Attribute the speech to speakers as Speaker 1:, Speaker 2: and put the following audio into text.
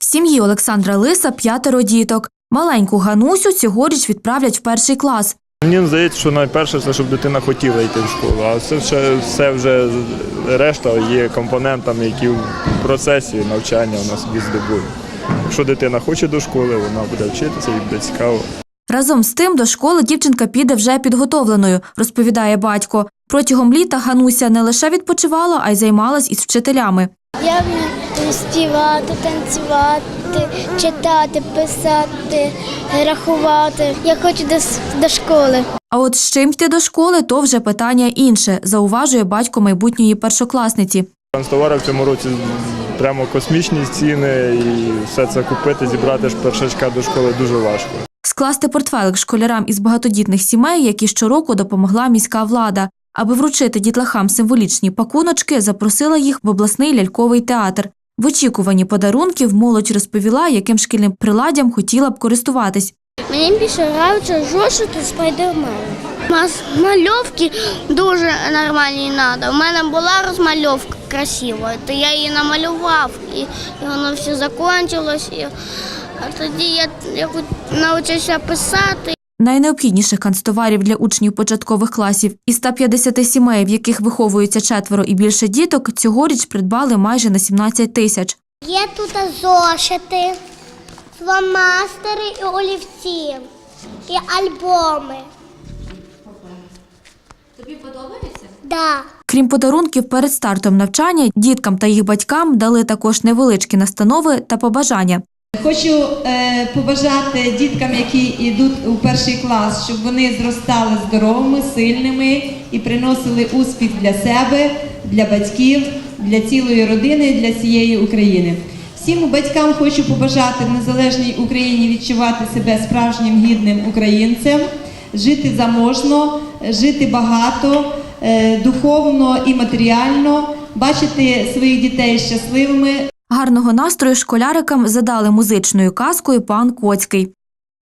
Speaker 1: сім'ї Олександра Лиса 5 діток. Маленьку Ганусю цьогоріч відправлять в 1 клас.
Speaker 2: Мені здається, що найперше це, щоб дитина хотіла йти в школу, а все вже решта є компонентами, які в процесі навчання у нас здобують. Якщо дитина хоче до школи, вона буде вчитися і буде цікаво.
Speaker 1: Разом з тим, до школи дівчинка піде вже підготовленою, розповідає батько. Протягом літа Гануся не лише відпочивала, а й займалась із вчителями.
Speaker 3: Я вмію співати, танцювати, читати, писати, рахувати. Я хочу до школи.
Speaker 1: А от з чим йти до школи – то вже питання інше, зауважує батько майбутньої першокласниці.
Speaker 2: Канцтовари в цьому році прямо космічні ціни, і все це купити, зібрати ж першачка до школи дуже важко.
Speaker 1: Скласти портфелик школярам із багатодітних сімей, які щороку допомогла міська влада. Аби вручити дітлахам символічні пакуночки, запросила їх в обласний ляльковий театр. В очікуванні подарунків молодь розповіла, яким шкільним приладдям хотіла б користуватись.
Speaker 3: Мені більше подобається зошити Спайдермен. Мальовки дуже нормальні треба. У мене була розмальовка красива, то я її намалював, і воно все закінчилось. А тоді я навчився писати.
Speaker 1: Найнеобхідніших канцтоварів для учнів початкових класів із 150 сімей, в яких виховуються 4 і більше діток, цьогоріч придбали майже на 17 тисяч.
Speaker 3: Є тут зошити, фломастери і олівці, і альбоми.
Speaker 4: Тобі подобається?
Speaker 3: Так.
Speaker 1: Крім подарунків, перед стартом навчання діткам та їх батькам дали також невеличкі настанови та побажання.
Speaker 5: Хочу побажати діткам, які йдуть у 1 клас, щоб вони зростали здоровими, сильними і приносили успіх для себе, для батьків, для цілої родини, для всієї України. Всім батькам хочу побажати в незалежній Україні відчувати себе справжнім гідним українцем, жити заможно, жити багато, духовно і матеріально, бачити своїх дітей щасливими.
Speaker 1: Гарного настрою школярикам задали музичною казкою «Пан Коцький».